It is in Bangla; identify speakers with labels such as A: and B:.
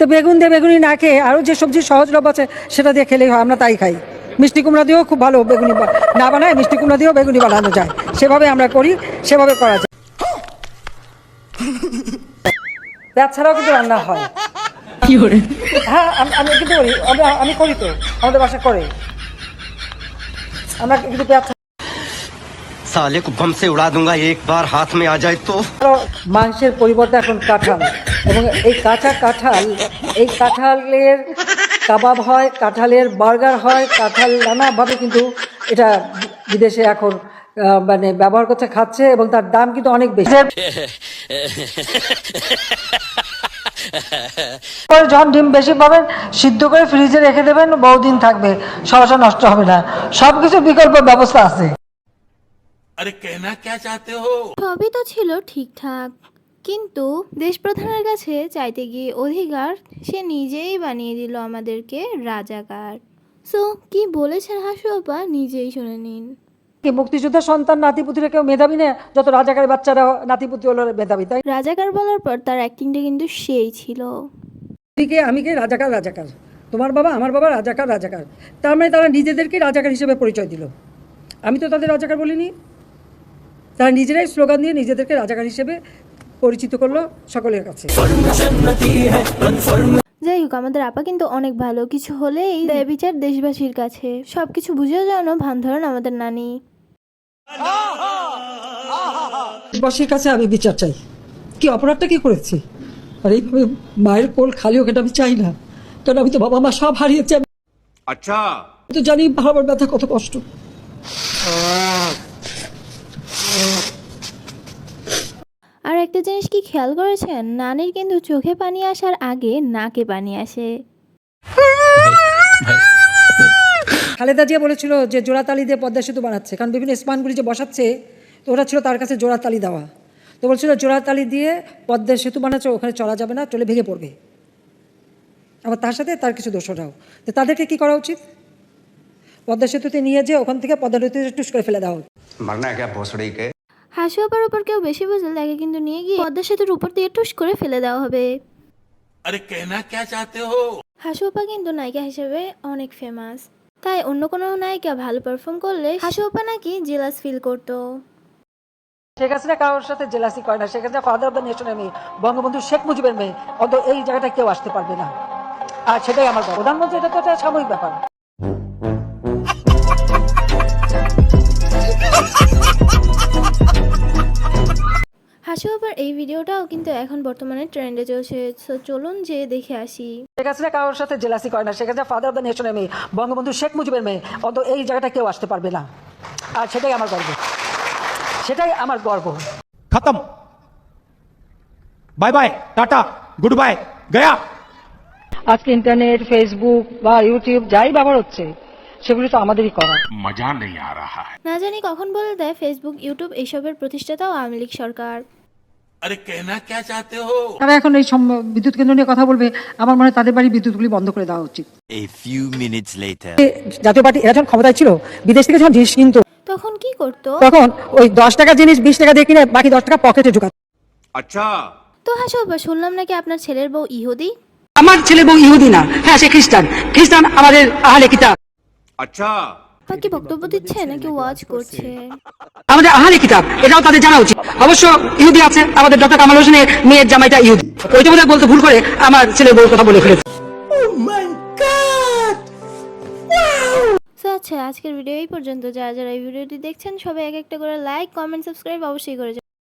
A: তো বেগুন দিয়ে বেগুনি না খেয়ে আরও যে সবজি সহজলভ্য আছে সেটা দিয়ে খেলেই হয়, আমরা তাই খাই। মিষ্টি কুমড়া দিয়েও খুব ভালো বেগুনি না বানায়, মিষ্টি কুমড়া দিয়েও বেগুনি বানানো যায়, সেভাবে আমরা করি, সেভাবে করা যায়। পেঁয়াজ ছাড়াও কিন্তু রান্না হয়। হ্যাঁ, আমি কিন্তু করি, আমি করি তো, আমাদের বাসায় করে। আমরা কিন্তু পেঁয়াজ
B: साले को बम से उड़ा दूंगा एक बार हाथ में आ जाए तो।
A: মাংসের পরিবর্তে এখন কাঁঠাল, এবং এই এই কাঁঠালের কাবাব হয়, কাঁঠালের বার্গার হয়, কাঁঠাল নানাভাবে কিন্তু এটা বিদেশে এখন মানে ব্যবহার করছে, খাচ্ছে, এবং তার দাম কিন্তু অনেক বেশি। যখন ডিম বেশি পাবেন সিদ্ধ করে ফ্রিজে রেখে দেবেন, বহুদিন থাকবে, সহসা নষ্ট হবে না। সবকিছু বিকল্প ব্যবস্থা আছে।
C: अरे कहना क्या चाहते हो?
D: সবই তো ছিল ঠিকঠাক, কিন্তু দেশপ্রধানের কাছে চাইতে গিয়ে অধিকার সে নিজেই বানিয়ে দিল আমাদেরকে রাজাকার। সো কি বলেছেন হাসু আপা নিজেই শুনে নিন।
A: কি মুক্তিযোদ্ধার সন্তান নাতিপুতিরা কেউ মেধাবী না? যত রাজাকারের বাচ্চারা নাতিপুতি হলো মেধাবী, তাই?
D: রাজাকার বলার পর তার অ্যাক্টিংটা কিন্তু সেই ছিল।
A: আমি কে? রাজাকার। তোমার বাবা আমার বাবা রাজাকার। তার মানে তারা নিজেদেরকে রাজাকার হিসেবে পরিচয় দিল। আমি তো তাদের রাজাকার বলিনি। তারা নিজেরাই স্লোগান দিয়ে নিজেদেরকে রাজাকার হিসেবে পরিচিত করলো সকলের কাছে।
D: যাই হোক, আমাদের আপা কিন্তু অনেক ভালো, কিছু হলেই দেয় বিচার দেশবাসীর কাছে। সবকিছু বুঝেও যেন ভান ধরেন আমাদের নানি।
A: দেশবাসীর কাছে আমি বিচার চাই। কি অপরাধটা কি করেছি? আর এইভাবে মায়ের কোল খালি হোক, এটা আমি চাই না। কারণ আমি তো বাবা মা সব হারিয়েছি।
C: अच्छा
A: আমি তো জানি বাবার ব্যথা কত কষ্ট।
D: আর একটা জিনিস কি খেয়াল করেছেন, নানির কিন্তু চোখে পানি আসার আগে নাকে পানি আসে।
A: খালেদা জিয়া বলেছিল যে জোড়াতালি দিয়ে পদ্মা সেতু বানাচ্ছে, কারণ বিভিন্ন স্পানগুলি যে বসাচ্ছে, তো ওরা ছিল তার কাছে জোড়াতালি দেওয়া। তো বলছিল জোড়াতালি দিয়ে পদ্মা সেতু বানাচ্ছে, ওখানে চলা যাবে না, চলে ভেঙে পড়বে। আবার তার সাথে তার কিছু দোষরাও। তো তাদেরকে কি করা উচিত? পদ্মা সেতুতে নিয়ে যে ওখান থেকে পদ্মা নদীতে টুস করে ফেলে দেওয়া।
B: मरना है क्या भोसड़ी के?
D: হাসু আপার উপর কেউ বেশি বুঝলে তাকে কিন্তু নিয়ে গিয়ে পদ্মা সেতুর উপর দিয়ে টুস করে ফেলে দেওয়া হবে।
C: अरे कहना क्या चाहते हो?
D: হাসু আপা কিন্তু নায়িকা হিসেবে অনেক ফেমাস, তাই অন্য কোনো নায়িকা ভালো পারফর্ম করলে হাসু আপা নাকি জেলাস ফিল করতো।
A: শেখ হাসিনা কারোর সাথে জেলাসি করে না। Sheikh Hasina father of the নেশনের মেয়ে, বঙ্গবন্ধু শেখ মুজিবের মেয়ে। অত এই জায়গাটা কেউ আসতে পারবে না, আর সেটাই আমার প্রধানমন্ত্রী। এটা তো একটা সাময়িক ব্যাপার।
D: হাসু আপার এই ভিডিওটাও কিন্তু এখন বর্তমানে ট্রেন্ডে চলছে, তো চলুন যে দেখে আসি।
A: শেখ হাসিনা কারোর সাথে জেলাসি করে না। Sheikh Hasina father of the নেশনের মেয়ে, বঙ্গবন্ধু শেখ মুজিবের মেয়ে। অত এই জায়গাটা কেউ আসতে পারবে না, আর সেটাই আমার গর্ব।
E: खत्म, bye bye, tata, goodbye, गया।
A: আজকে ইন্টারনেট, ফেসবুক বা ইউটিউব যাই ব্যবহার হচ্ছে, সেগুলি তো আমাদেরই করা।
C: मजा नहीं आ रहा है।
D: না জানি কখন বলে দেয় ফেসবুক, ইউটিউব এইসবের প্রতিষ্ঠাতাও আওয়ামী লীগ সরকার।
C: अरे कहना क्या चाहते हो?
A: তারা এখন এই বিদ্যুৎ কেন্দ্র নিয়ে কথা বলবে, আমার মনে হয় তাদের বাড়ি বিদ্যুৎগুলি বন্ধ করে দেওয়া উচিত।
F: A few minutes later.
A: Jatiya Party এরা যখন ক্ষমতায় ছিল, বিদেশ থেকে যখন জিনিস কিনতো,
D: তখন কি করতো?
A: তখন ওই 10 টাকা জিনিস 20 টাকা দিয়ে কিনে বাকি 10 টাকা পকেটে ঢুকাতো।
C: अच्छा
D: তো হাসু আপা, শুনলাম নাকি আপনার ছেলের বউ ইহুদি।
A: আমার ছেলে বউ ইহুদি না, হ্যাঁ সে খ্রিস্টান আমাদের আহলে কিতাব।
C: अच्छा
D: আপা কি বক্তব্য দিচ্ছে নাকি ওয়াজ করছে?
A: আমাদের আহলে কিতাব, এটাও তাদের জানা উচিত। অবশ্য ইহুদি আছে, আমাদের ডক্টর কামাল হোসেনের মেয়ের জামাইটা ইহুদি। ওইটা বোধহয় বলতে ভুল করে আমার ছেলের বউর কথা বলে ফেলেছে।
D: তো আচ্ছা, আজকের ভিডিও এই পর্যন্ত। যারা যারা এই ভিডিওটি দেখছেন সবাই এক একটা করে লাইক, কমেন্ট, সাবস্ক্রাইব অবশ্যই করে